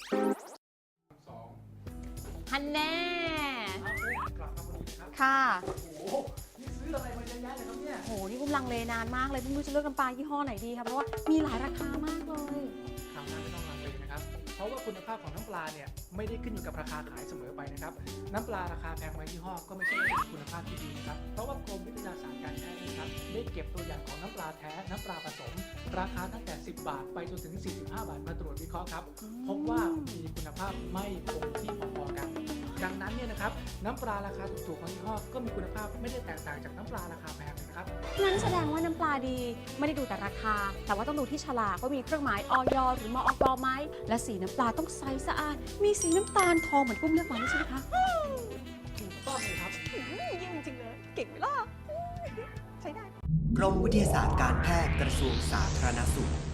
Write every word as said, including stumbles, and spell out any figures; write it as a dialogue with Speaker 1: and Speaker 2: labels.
Speaker 1: สอง
Speaker 2: ฮันแน่
Speaker 1: กลับมาพอดีครับ
Speaker 2: ค่ะ
Speaker 1: โอ้โหนี่ซื้ออะไรมาเยอะแยะเลยครับเนี่ย
Speaker 2: โห นี่อุ้มลังเลนานมากเลยไม่รู้จะเลือกน้ำปลายี่ห้อไหนดีครับเพราะว่ามีหลายราคามากเลย
Speaker 1: คราวหน้าไม่ต้องลังเลนะครับ เพราะว่าคุณภาพของน้ำปลาเนี่ยไม่ได้ขึ้นอยู่กับราคาขายเสมอไปนะครับ น้ำปลาราคาแพงไว้ยี่ห้อก็ไม่ใช่ว่าเป็นคุณภาพที่ดีนะครับ เพราะว่ากรมวิทยาศาสตร์การแพทย์นะครับได้เก็บตัวอย่างของน้ำปลาแท้น้ำปลาผสม ราคาตั้งแต่สิบบาทไปจนถึงสี่สิบห้าบาทมาตรวจวิเคราะห์ครับ พบว่ามีคุณภาพไม่คงที่พอๆกัน ดังนั้นเนี่ยนะครับน้ำปลาราคาถูกๆของยี่ห้อก็มีคุณภาพไม่ได้แตกต่างจากน้ำปลาราคาแพงเลยนะครับ
Speaker 2: งั้นแสดงว่าน้ำปลาดีไม่ได้ดูแต่ราคา แต่ว่าต้องดูที่ฉลากว่ามีเครื่องหมายออยหรือมอกไหมและสีน้ำปลาต้องใสสะอาด มีสีน้ำตาลทองเหมือนกุ้มเลือกมาด้วยใช่ไหมคะ
Speaker 1: ถูกต้องเลยครับ
Speaker 2: อืมเยี่ยมจริงเลย เก่งไหมล่ะ ใช้ได้
Speaker 3: กรมวิทยาศาสตร์การแพทย์กระทรวงสาธารณสุข